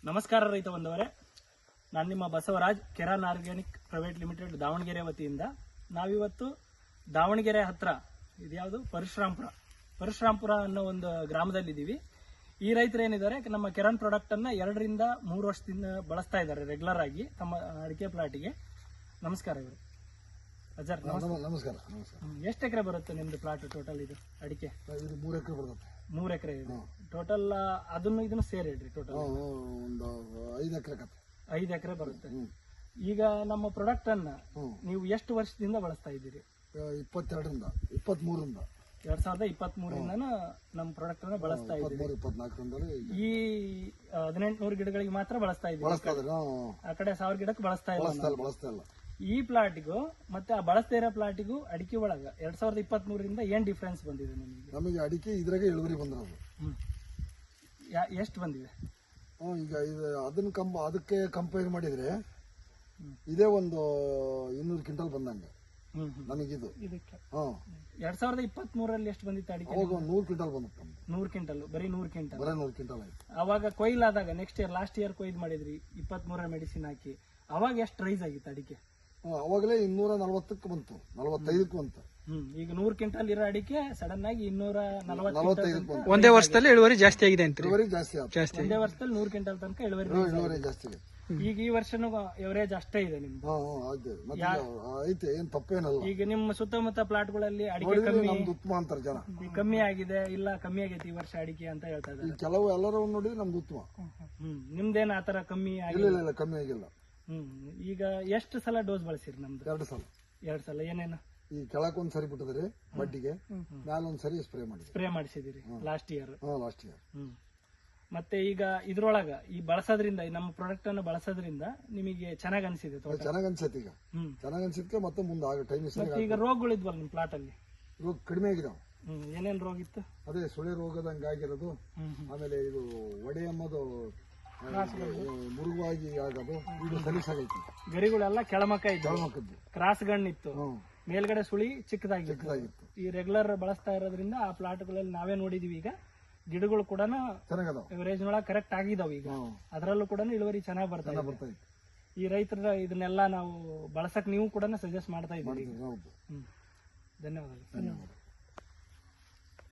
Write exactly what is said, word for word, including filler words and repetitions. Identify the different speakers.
Speaker 1: ನಮಸ್ಕಾರ ರೈತ ಬಂದವರೇ, ನಾನು ನಿಮ್ಮ Basavaraj Keran organic private limited Davanagere ವತಿಯಿಂದ ನಾವಿವತ್ತು ದಾವಣಗೆರೆ ಹತ್ರ ಇದ್ಯಾವುದು ಪರಶುರಾಂಪುರ ಪರಶುರಾಂಪುರ ಅನ್ನೋ ಒಂದು ಗ್ರಾಮದಲ್ಲಿದ್ದೀವಿ. ಈ ರೈತರು ಏನಿದ್ದಾರೆ ನಮ್ಮ ಕೆರಾನ್ ಪ್ರಾಡಕ್ಟ್ ಅನ್ನ ಎರಡರಿಂದ ಮೂರು ವರ್ಷದಿಂದ ಬಳಸ್ತಾ ಇದ್ದಾರೆ ರೆಗ್ಯುಲರ್ ಆಗಿ ತಮ್ಮ ಅಡಿಕೆ ಪ್ಲಾಟಿಗೆ. ನಮಸ್ಕಾರ ಇವರು ಅಜರ್.
Speaker 2: ನಮಸ್ಕಾರ.
Speaker 1: ಎಷ್ಟು ಎಕರೆ ಬರುತ್ತೆ ನಿಮ್ದು ಪ್ಲಾಟ್ ಟೋಟಲ್? ಇದು ಅಡಿಕೆ
Speaker 2: ಇದು ಮೂರು ಎಕರೆ ಬರುತ್ತೆ.
Speaker 1: ಮೂರು ಎಕರೆ ಇದೆ ಟೋಟಲ್. ಅದನ್ನು ಇದನ್ನು ಸೇರಿ ಹೇಳ್ರಿ ಟೋಟಲ್
Speaker 2: ಒಂದು ಐದು ಎಕರೆ
Speaker 1: ಐದು ಎಕರೆ ಬರುತ್ತೆ. ಈಗ ನಮ್ಮ ಪ್ರಾಡಕ್ಟ್ ಅನ್ನ ನೀವು ಎಷ್ಟು ವರ್ಷದಿಂದ ಬಳಸ್ತಾ ಇದ್ದೀರಿ?
Speaker 2: ಇಪ್ಪತ್ತೆರಡರಿಂದ ಇಪ್ಪತ್ತ್ ಮೂರರಿಂದ
Speaker 1: ಎರಡ್ ಸಾವಿರದ ಇಪ್ಪತ್ತ್ ಮೂರರಿಂದ ನಮ್ಮ ಪ್ರಾಡಕ್ಟ್ ಅನ್ನ ಬಳಸ್ತಾ ಇದ್ದೀವಿ.
Speaker 2: ಇಪ್ಪತ್ನಾಲ್ಕರಿಂದ
Speaker 1: ಈ ಹದಿನೆಂಟುನೂರು ಗಿಡಗಳಿಗೆ ಮಾತ್ರ ಬಳಸ್ತಾ ಇದ್ದೀವಿ. ಆ ಕಡೆ ಸಾವಿರ ಗಿಡಕ್ಕೆ ಬಳಸ್ತಾ ಇಲ್ಲ.
Speaker 2: ಬಳಸ್ತಾ ಇಲ್ಲ.
Speaker 1: ಈ ಪ್ಲಾಟಿಗೂ ಮತ್ತೆ ಆ ಬಳಸ್ತಾ ಇರೋ ಪ್ಲಾಟಿಗೂ ಅಡಿಕೆ ಒಳಗ ಎರಡ್ ಸಾವಿರದ ಇಪ್ಪತ್ತ್ ಮೂರರಿಂದ ಏನ್ ಡಿಫ್ರೆನ್ಸ್ ಬಂದಿದೆ ನಿಮಗೆ?
Speaker 2: ನಮಗೆ ಅಡಿಕೆ ಇದ್ರಾಗೆ ಇಳುವರಿ ಬಂದಿರೋದು.
Speaker 1: ಎಷ್ಟು ಬಂದಿದೆ?
Speaker 2: ಈಗ ಇದು ಅದನ್ನ ಕಂಪ ಅದಕ್ಕೆ ಕಂಪೇರ್ ಮಾಡಿದ್ರೆ ಇದೇ ಒಂದು ಇನ್ನೂರು ಕ್ವಿಂಟಲ್ ಬಂದಂಗೆ ನಮಗಿದು.
Speaker 1: ಎರಡ್ ಸಾವಿರದ ಇಪ್ಪತ್ತ್ ಮೂರಲ್ಲಿ ಎಷ್ಟು ಬಂದಿತ್ತು ಅಡಿಕೆ?
Speaker 2: ಅವಾಗ ನೂರು ಕ್ವಿಂಟಲ್ ಬಂದಿತ್ತು.
Speaker 1: ನೂರು ಕ್ವಿಂಟಲ್ ಬರೀ ನೂರು ಕ್ವಿಂಟಲ್
Speaker 2: ಬರೀ ನೂರು ಕ್ವಿಂಟಲ್ ಆಯ್ತು.
Speaker 1: ಅವಾಗ ಕೊಯ್ಲಾದಾಗ ನೆಕ್ಸ್ಟ್ ಇಯರ್ ಲಾಸ್ಟ್ ಇಯರ್ ಕೊಯ್ದು ಮಾಡಿದ್ರಿ ಇಪ್ಪತ್ತ್ ಮೂರರ ಮೆಡಿಸಿನ್ ಹಾಕಿ. ಅವಾಗ ಎಷ್ಟು ರೈಸ್ ಆಗಿತ್ತು ಅಡಿಕೆ?
Speaker 2: ಅವಾಗಲೇ ಇನ್ನೂರ ನಲವತ್ತಕ್ಕೆ ಬಂತು, ನಲವತ್ತೈದಕ್ಕೆ ಬಂತು.
Speaker 1: ಹ್ಮ್ ಈಗ ನೂರು ಕ್ವಿಂಟಲ್ ಇರೋ ಅಡಿಕೆ ಸಡನ್ ಆಗಿ ಇನ್ನೂರ
Speaker 2: ನಲವತ್ತೈದಕ್ಕೆ
Speaker 3: ಒಂದೇ ವರ್ಷದಲ್ಲಿ ಇಳುವರಿ ಜಾಸ್ತಿ ಆಗಿದೆ ಅಂತ.
Speaker 2: ಇಳುವರಿ ಜಾಸ್ತಿ ಆಯ್ತು.
Speaker 1: ಒಂದೇ ವರ್ಷದಲ್ಲಿ ನೂರು ಕ್ವಿಂಟಲ್ ತನಕ ಇಳುವರಿ
Speaker 2: ಇಳುವರಿ ಜಾಸ್ತಿ ಆಗಿದೆ.
Speaker 1: ಈಗ ಈ ವರ್ಷನೂ ಎವರೇಜ್ ಅಷ್ಟೇ ಇದೆ ನಿಮ್ದು?
Speaker 2: ಐತೆ, ಏನ್ ತಪ್ಪೇನಲ್ಲ.
Speaker 1: ಈಗ ನಿಮ್ಮ ಸುತ್ತಮುತ್ತ ಪ್ಲಾಟ್ಗಳಲ್ಲಿ ಅಡಿಕೆ ಕಮ್ಮಿ
Speaker 2: ಉತ್ತಮ ಅಂತಾರೆ ಜನ.
Speaker 1: ಕಮ್ಮಿ ಆಗಿದೆ, ಇಲ್ಲ ಕಮ್ಮಿ ಆಗೈತಿ ಈ ವರ್ಷ ಅಡಿಕೆ ಅಂತ ಹೇಳ್ತಾ ಇದ್ದಾರೆ.
Speaker 2: ಕೆಲವು ಎಲ್ಲರೂ ನೋಡಿದ್ರೆ ನಮ್ದು ಉತ್ತಮ.
Speaker 1: ಹ್ಮ್ ನಿಮ್ದೇನ ಆತರ ಕಮ್ಮಿ
Speaker 2: ಆಗಿಲ್ಲ? ಇಲ್ಲ, ಕಮ್ಮಿ ಆಗಿಲ್ಲ.
Speaker 1: ಹ್ಮ್ ಈಗ ಎಷ್ಟು ಸಲ ಡೋಸ್ ಬಳಸಿರಿ ನಮ್ದು?
Speaker 2: ಎರಡು ಸಲ.
Speaker 1: ಎರಡ್ ಸಲ. ಏನೇನು?
Speaker 2: ಈ ಕೆಳಕ್ ಒಂದ್ ಸರಿ ಬಿಟ್ಟಿದ್ರಿ ಬಡ್ಡಿಗೆ, ಮ್ಯಾಲ ಒಂದ್ ಸರಿ ಸ್ಪ್ರೇ ಮಾಡಿ
Speaker 1: ಸ್ಪ್ರೇ ಮಾಡಿಸಿದಿರಿ ಲಾಸ್ಟ್ ಇಯರ್.
Speaker 2: Last year.
Speaker 1: ಹ್ಮ್ ಮತ್ತೆ ಈಗ ಇದ್ರೊಳಗ ಈ ಬಳಸೋದ್ರಿಂದ ನಮ್ಮ ಪ್ರಾಡಕ್ಟ್ ಅನ್ನು ಬಳಸೋದ್ರಿಂದ ನಿಮಗೆ ಚೆನ್ನಾಗ್ ಅನ್ಸಿದೆ?
Speaker 2: ಚೆನ್ನಾಗ್ ಅನ್ಸೈತಿ. ಈಗ ಚೆನ್ನಾಗ್ ಅನ್ಸಿದ್ಕೆ ಮತ್ತೆ ಮುಂದೆ ಆಗ ಟೈಮ್.
Speaker 1: ಈಗ ರೋಗಗಳಿದ್ವಲ್ಲ ನಿಮ್ ಪ್ಲಾಟ್ ಅಲ್ಲಿ?
Speaker 2: ರೋಗ ಕಡಿಮೆ ಆಗಿದಾವ.
Speaker 1: ಹ್ಮ್ ಏನೇನ್ ರೋಗ ಇತ್ತು?
Speaker 2: ಅದೇ ಸುಳಿ ರೋಗದಂಗ ಆಗಿರೋದು, ಆಮೇಲೆ ಇದು ಒಡೆ ಎಂಬುದು ಮುರುಗಾಗಿ ಆಗೋದು, ಇದು ಸಲೀಸಾಗೈತಿ.
Speaker 1: ಗರಿಗಳೆಲ್ಲ ಕೆಳಮಕ್ಕ ಇತ್ತು,
Speaker 2: ಕೆಳಮಕ್ಕದ್ದು
Speaker 1: ಕ್ರಾಸ್ ಗಣ್ಣಿತ್ತು, ಮೇಲ್ಗಡೆ ಸುಳಿ ಚಿಕ್ಕದಾಗಿತ್ತು.
Speaker 2: ಚಿಕ್ಕದಾಗಿತ್ತು.
Speaker 1: ಈ ರೆಗ್ಯುಲರ್ ಬಳಸ್ತಾ ಇರೋದ್ರಿಂದ ಆ ಪ್ಲಾಟ್ಗಳಲ್ಲಿ ನಾವೇ ನೋಡಿದೀವಿ. ಈಗ ಗಿಡಗಳು ಕೂಡ ಎವರೇಜ್ ನೊಳಗೆ ಕರೆಕ್ಟ್ ಆಗಿದಾವ. ಈಗ ಅದರಲ್ಲೂ ಕೂಡ ಇಳುವರಿ ಚೆನ್ನಾಗಿ ಬರ್ತಾ ಇದೆ. ಈ ರೈತರ ಇದನ್ನೆಲ್ಲ ನಾವು ಬಳಸಕ್ ನೀವು ಕೂಡ ಸಜೆಸ್ಟ್ ಮಾಡ್ತಾ ಇದ್ದೀವಿ.
Speaker 2: ಧನ್ಯವಾದಗಳು.
Speaker 1: ಧನ್ಯವಾದ.